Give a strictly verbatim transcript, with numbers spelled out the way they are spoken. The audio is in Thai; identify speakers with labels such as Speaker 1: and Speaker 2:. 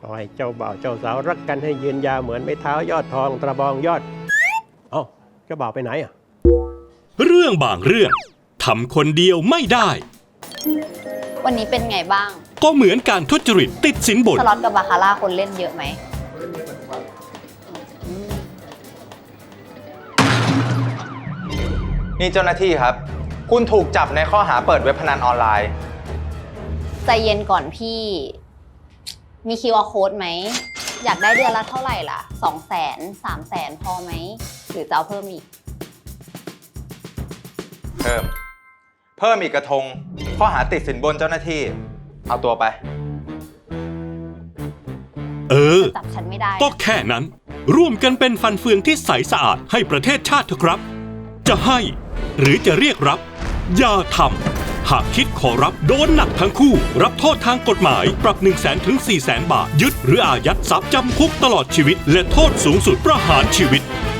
Speaker 1: ขอให้เจ้าบ่าวเจ้าสาวรักกันให้ยืนยาวเหมือนไม้เท้ายอดทองตะบองยอด เอ้าเจ้าบ่าวไปไหนอ่ะ
Speaker 2: เรื่องบางเรื่องทำคนเดียวไม่ได้
Speaker 3: วันนี้เป็นไงบ้าง
Speaker 2: ก็เหมือนการทุจริตติดสินบน
Speaker 3: สล็อตกับบาคาร่าคนเล่นเยอะไหม
Speaker 4: นี่เจ้าหน้าที่ครับ คุณถูกจับในข้อหาเปิดเว็บพนันออนไลน์
Speaker 3: ใจเย็นก่อนพี่ มี คิว อาร์ Code ไหม อยากได้เดือนละเท่าไหร่ล่ะ สองแสน สามแสนพอไหม หรือจะเอาเพิ่มอีก
Speaker 4: เพิ่ม เพิ่มอีกกระทง ข้อหาติดสินบนเจ้าหน้าที่ เอาตัวไป
Speaker 2: เออ
Speaker 3: จับฉันไม่ได้
Speaker 2: ก็แค่นั้น ร่วมกันเป็นฟันเฟืองที่ใสสะอาดให้ประเทศชาติเถอะครับ จะให้หรือจะเรียกรับ อย่าทำหากคิดขอรับโดนหนักทั้งคู่ รับโทษทางกฎหมายปรับ หนึ่งแสน ถึง สี่แสน บาท ยึดหรืออายัดทรัพย์จำคุกตลอดชีวิต และโทษสูงสุดประหารชีวิต